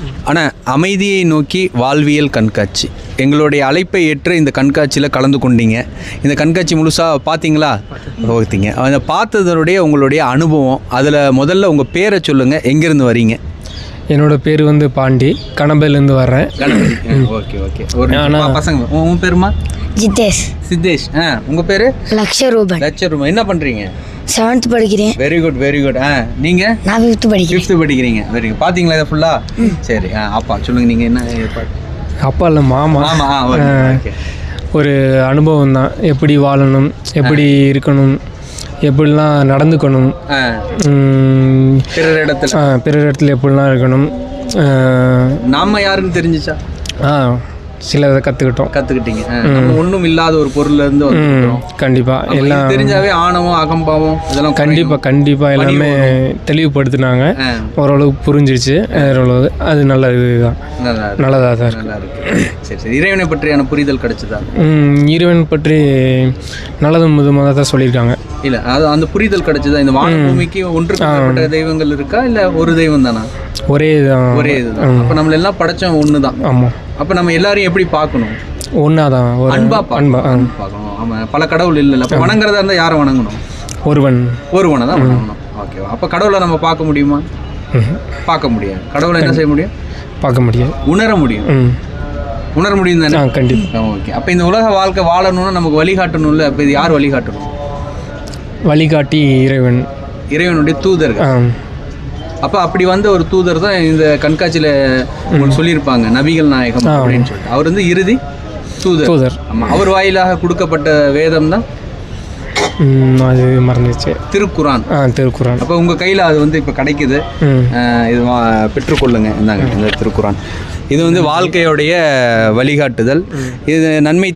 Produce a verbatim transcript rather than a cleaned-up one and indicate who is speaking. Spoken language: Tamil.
Speaker 1: ஆனால் அமைதியை நோக்கி வாழ்வியல் கண்காட்சி எங்களுடைய அழைப்பை ஏற்று இந்த கண்காட்சியில் கலந்து கொண்டீங்க. இந்த கண்காட்சி முழுசாக பார்த்தீங்களா? பார்த்தீங்க. அதை பார்த்ததனுடைய உங்களுடைய அனுபவம், அதில் முதல்ல உங்கள் பேரை சொல்லுங்கள், எங்கேருந்து வரீங்க?
Speaker 2: என்னோட பேர் வந்து பாண்டி, கணபையிலேருந்து வர்றேன்.
Speaker 1: Okay okay. ஒரு பசங்க, உன் பேருமா?
Speaker 3: ஜிதேஷ்.
Speaker 1: சித்தேஷ். ஆ, உங்கள் பேர்?
Speaker 3: லக்ஷரூபன்.
Speaker 1: லட்சரூபன். என்ன பண்ணுறீங்க?
Speaker 3: செவன்த் படிக்கிறேன்.
Speaker 1: Very good very good. ஆ, நீங்கள்?
Speaker 3: நான் ஃபிஃப்த் படிக்கிறேன்.
Speaker 1: ஃபிஃப்த்து படிக்கிறீங்க. Very good. பார்த்தீங்களா இதை ஃபுல்லாக? சரி. ஆ, அப்பா சொல்லுங்கள், நீங்கள் என்ன ஏற்பாடு?
Speaker 2: அப்பா இல்லை, மாமா.
Speaker 1: ஆமாம். ஆ, ஓகே.
Speaker 2: ஒரு அனுபவம் தான், எப்படி வாழணும், எப்படி இருக்கணும், எப்படிலாம் நடந்துக்கணும்,
Speaker 1: பிறர் இடத்துல
Speaker 2: பிறர் இடத்துல எப்படிலாம் இருக்கணும்.
Speaker 1: நாம யாருன்னு தெரிஞ்சிச்சா?
Speaker 2: ஆ, சில இதை கற்றுக்கிட்டோம்.
Speaker 1: கற்றுக்கிட்டீங்க. ஒன்றும் இல்லாத ஒரு பொருள்ல இருந்து வந்துட்டோம்.
Speaker 2: கண்டிப்பாக எல்லாம்
Speaker 1: தெரிஞ்சாவே ஆணவம் அகம்பாவம் இதெல்லாம்
Speaker 2: கண்டிப்பாக கண்டிப்பாக எல்லாமே தெளிவுபடுத்தினாங்க. ஓரளவுக்கு புரிஞ்சிருச்சு. ஓரளவு அது நல்ல இதுதான், நல்லதாக தான் இருக்கு.
Speaker 1: நல்லா இருக்கு. சரி சரி. இறைவனை பற்றியான புரிதல் கிடைச்சதா?
Speaker 2: இறைவன் பற்றி நல்லதும் விதமாக தான் சொல்லியிருக்காங்க.
Speaker 1: இல்லை, அது அந்த புரிதல் கிடைச்சதா? இந்த வானபூமிக்கு ஒன்றுக்கு தெய்வங்கள் இருக்கா இல்லை ஒரு தெய்வம் தானா? ஒரே தான். ஒரே இதுதான். அப்போ நம்மள எல்லாம் படைச்சோம் ஒன்று தான். ஆமாம். அப்போ நம்ம எல்லாரையும் எப்படி பார்க்கணும்?
Speaker 2: ஒன்றா தான்,
Speaker 1: அன்பா அன்பா பார்க்கணும். ஆமாம், பல கடவுள் இல்லை. அப்போ வணங்குறதா இருந்தால் யாரை வணங்கணும்? ஒருவன் ஒருவனை தான் வணங்கணும். ஓகேவா? அப்போ கடவுளை நம்ம பார்க்க முடியுமா? பார்க்க முடியாது. கடவுளை என்ன செய்ய முடியும்?
Speaker 2: பார்க்க முடியாது.
Speaker 1: உணர முடியும். உணர முடியும் தானே? கண்டிப்பாக. ஓகே. அப்போ இந்த உலக வாழ்க்கை வாழணும்னா நமக்கு வழிகாட்டணும்ல. அப்போ இது யார் வழிகாட்டணும்? வழிகாட்டி இறைவன், இறைவனுடைய தூதர்கள். அப்போ அப்படி வந்த ஒரு தூதர் தான் இந்த கண்காட்சியில் உங்களுக்கு சொல்லியிருப்பாங்க, நபிகள் நாயகம் அப்படின்னு சொல்லிட்டு. அவர் வந்து இறுதி தூதர். தூதர். ஆமாம். அவர் வாயிலாக கொடுக்கப்பட்ட வேதம் தான் அது மறந்துச்சு, திருக்குரான். ஆ, திருக்குரான். அப்போ உங்கள் கையில் அது வந்து இப்போ கிடைக்குது. இது பெற்றுக்கொள்ளுங்க. இந்தாங்க இந்த திருக்குரான். இது வந்து வாழ்க்கையோடைய வழிகாட்டுதல். இது நன்மை